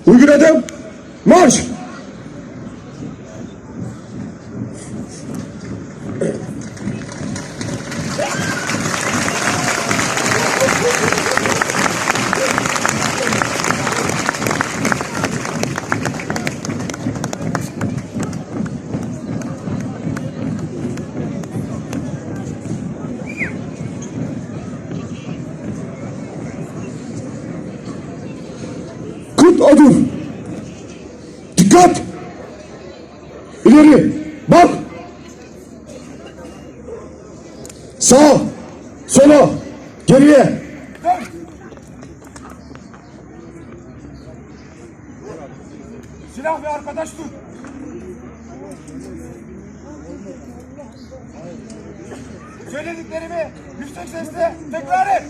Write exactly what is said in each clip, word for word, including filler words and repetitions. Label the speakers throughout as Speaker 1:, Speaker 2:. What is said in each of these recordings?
Speaker 1: Uygun adım. Marş. Kırk adım. Dikkat. İleri. Bak. Sağa. Sola. Geriye.
Speaker 2: Silah ve arkadaş tut. Söylediklerimi yüksek sesle tekrar et.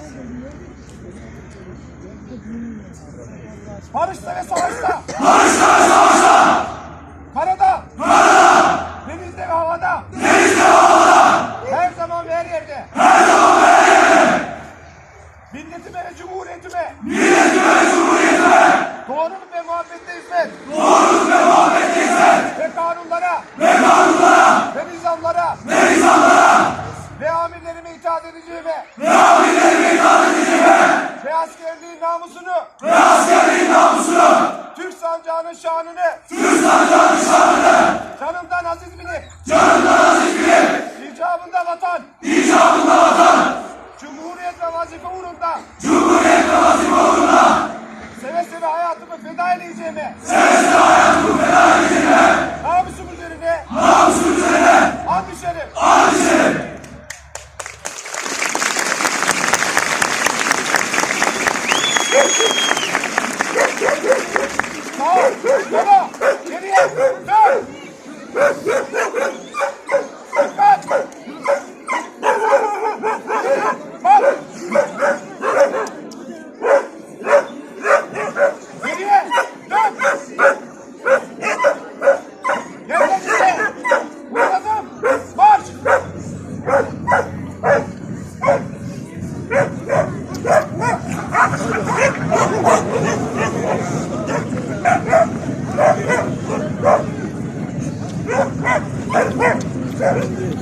Speaker 2: Barışta ve savaşta.
Speaker 3: Barışta ve savaşta.
Speaker 2: Karada.
Speaker 3: Karada.
Speaker 2: Denizde ve havada.
Speaker 3: Denizde ve havada.
Speaker 2: Her zaman ve her yerde.
Speaker 3: Her zaman ve her yerde.
Speaker 2: Milletime ve cumhuriyetime.
Speaker 3: Milletime ve cumhuriyetime.
Speaker 2: Doğruluk ve muhabbette hizmet.
Speaker 3: Doğruluk ve muhabbette hizmet.
Speaker 2: Ve kanunlara.
Speaker 3: Ve kanunlara.
Speaker 2: Ve nizamlara.
Speaker 3: Ve nizamlara.
Speaker 2: Ve amirlerime itaat edeceğime.
Speaker 3: Ve amirlerime itaat edeceğime.
Speaker 2: Ve askerliğin namusunu.
Speaker 3: Ve askerliğin namusunu.
Speaker 2: Türk sancağının şanını.
Speaker 3: Türk sancağının şanını.
Speaker 2: Canımdan aziz bilip.
Speaker 3: Canımdan aziz bilip.
Speaker 2: İcabında vatan.
Speaker 3: İcabında vatan.
Speaker 2: Cumhuriyet ve vazife uğrunda.
Speaker 3: Cumhuriyet ve vazife uğrunda.
Speaker 2: Seve seve hayatımı feda edeceğime.
Speaker 3: Seve seve hayatımı feda edeceğime.
Speaker 2: Namusum üzerine.
Speaker 3: Namusum üzerine.
Speaker 2: And içerim.
Speaker 3: And içerim.
Speaker 2: Sağ, sola, geriye, dön. Dikkat. Bak. Geriye, dön. Yerlerinde. Uğradım. Marş.
Speaker 1: Thank you.